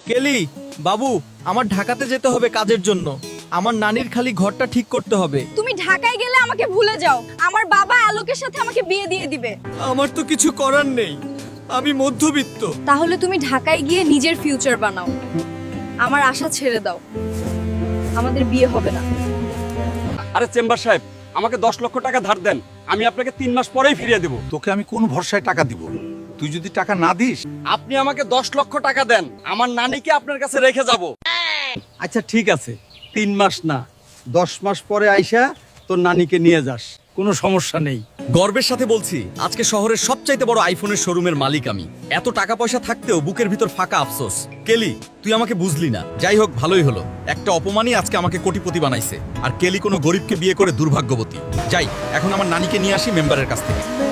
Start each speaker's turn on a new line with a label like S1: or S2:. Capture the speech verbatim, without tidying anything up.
S1: কেলি, বাবু, আমার ঢাকাতে যেতে হবে কাজের জন্য। আমার নানির খালি ঘরটা ঠিক করতে হবে।
S2: তুমি ঢাকায় গেলে আমাকে ভুলে যাও, আমার বাবা আলোকের সাথে আমাকে বিয়ে দিয়ে দিবে।
S1: আমার তো কিছু করার নেই, আমি মধ্যবিত্ত।
S2: তাহলে তুমি ঢাকায় গিয়ে নিজের ফিউচার বানাও, আমার আশা ছেড়ে দাও, আমাদের বিয়ে হবে না।
S3: আরে চেম্বার সাহেব, আমাকে দশ লক্ষ টাকা ধার দেন, আমি আপনাকে তিন মাস পরেই ফিরিয়ে দেব।
S4: তোকে আমি কোন ভরসায় টাকা দিব? তুই যদি টাকা না দিস।
S3: আপনি আমাকে দশ লক্ষ টাকা দেন, আমার নানিকে আপনার কাছে রেখে যাব।
S5: আচ্ছা ঠিক আছে, তিন মাস না, দশ মাস পরে আইসা তোর নানিকে নিয়ে যাস, কোনো সমস্যা নেই।
S1: গর্বের সাথে বলছি, আজকে শহরের সবচাইতে বড় আইফোনের শোরুমের মালিক আমি। এত টাকা পয়সা থাকতেও বুকের ভিতর ফাঁকা আফসোস। কেলি, তুই আমাকে বুঝলি না। যাই হোক, ভালোই হলো, একটা অপমানই আজকে আমাকে কোটিপতি বানাইছে। আর কেলি কোনো গরিবকে বিয়ে করে দুর্ভাগ্যবতী। যাই, এখন আমার নানিকে নিয়ে আসি মেম্বারের কাছ থেকে।